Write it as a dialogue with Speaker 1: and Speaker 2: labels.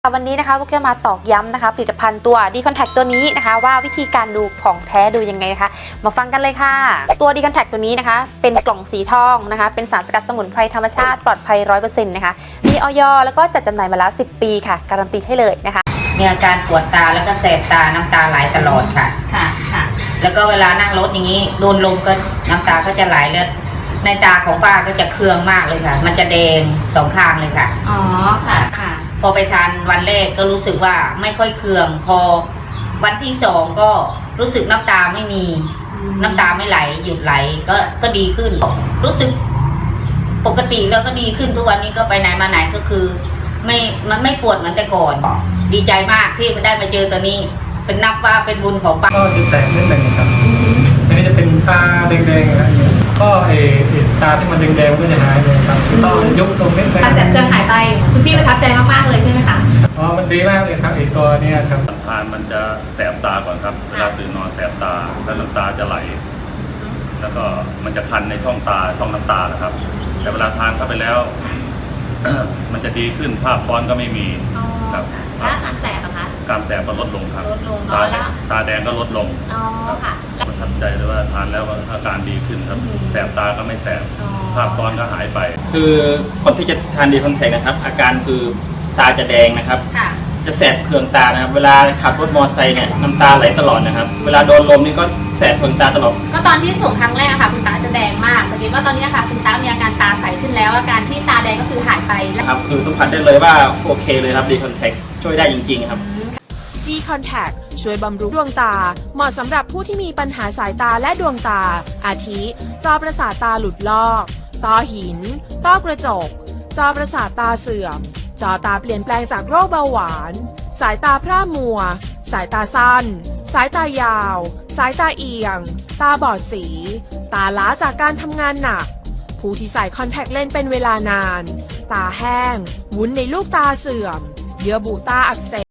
Speaker 1: วันนี้นะคะพวกจะมาตอกย้ำนะคะผลิตภัณฑ์ตัว D-Contact ตัวนี้นะคะว่าวิธีการดูของแท้ดูยังไงนะคะมาฟังกันเลยค่ะตัว D-Contact ตัวนี้นะคะเป็นกล่องสีทองนะคะเป็นสารสกัดสมุนไพรธรรมชาติปลอดภัย 100% นะคะมีอย.แล้วก็จัดจำหน่ายมาแล้ว10 ปีค่ะการันตีให้เลยนะคะ
Speaker 2: มีอาการปวดตาแล้วก็แสบตาน้ำตาไหลตลอดค่ะแล้วก็เวลานั่งรถอย่างนี้โดนลมก็น้ำตาก็จะไหลเลือดในตาของป้าก็จะเคืองมากเลยค่ะมันจะแดงสองข้างเลยค่ะ
Speaker 1: อ๋อค่ะ
Speaker 2: พอไปทานวันแรกก็รู้สึกว่าไม่ค่อยเคืองพอวันที่2ก็รู้สึกน้ำตาไม่มีน้ำตาไม่ไหลหยุดไหลก็ดีขึ้นรู้สึกปกติแล้วก็ดีขึ้นทุกวันนี้ก็ไปไหนมาไหนก็คือมันไม่ปวดเหมือนแต่ก่อนดีใจมากที่ได้มาเจอตัวนี้เป็นนับว่าเป็นบุญของป้า
Speaker 3: ก็จะแสบนิดหนึ่งครับอันนี้จะเป็นตาแดงๆอะไรอย่างเงี้ยก็ตาที่มันแดงๆก็จะหายเลยครับต้องยุบลงนิดนึง
Speaker 1: การแสบเคืองหายไปคุณพี่ประทับใจมากๆเลยใช่ไหมคะ
Speaker 3: อ๋อมันดีมากเลยครับตัวนี้ครับ
Speaker 4: ทานมันจะแสบตาก่อนครับเวลาตื่นนอนแสบตาแล้วน้ำตาจะไหลแล้วก็มันจะคันในช่องตาช่องน้ำตานะครับ แต่เวลาทานเข้าไปแล้ว มันจะดีขึ้นภาพซ้อนก็ไม่มี
Speaker 1: ครับแล้วการแสบอะคะ
Speaker 4: การแสบก็ลดลงครับตาแดงก็ลดลง
Speaker 1: ค่ะ
Speaker 4: ประทับใจเลยว่าทานแล้วอาการดีขึ้นครับแสบตาก็ไม่แสบภาพซ้อนก็หายไป
Speaker 5: คือคนที่จะทานD-Contactนะครับอาการคือตาจะแดงนะครับจะแสบเคืองตานะครับเวลาขับรถมอเตอร์ไซค์เนี่ยน้ำตาไหลตลอดนะครับเวลาโดนลมนี่ก็แสบเคืองตาตลอด
Speaker 1: ก็ตอนที่ส่งครั้งแรกค่ะคุณตาจะแดงมากสังเกตว่าตอนนี้ค่ะคุณตามีอาการตาใสขึ้นแล้วอาการที่ตาแดงก็คือหายไป
Speaker 5: ครับคือสัมผัสได้เลยว่าโอเคเลยครับD-Contactช่วยได้จริงๆครับ
Speaker 6: D-Contact ช่วยบำรุงดวงตาเหมาะสำหรับผู้ที่มีปัญหาสายตาและดวงตาอาทิจอประสาทตาหลุดลอกต้อหินต้อกระจกจอประสาทตาเสื่อมจอตาเปลี่ยนแปลงจากโรคเบาหวานสายตาพร่ามัวสายตาสั้นสายตายาวสายตาเอียงตาบอดสีตาล้าจากการทำงานหนักผู้ที่ใส่คอนแทคเลนส์เป็นเวลานานตาแห้งวุ้นในลูกตาเสื่อมเยื่อบุตาอักเสบ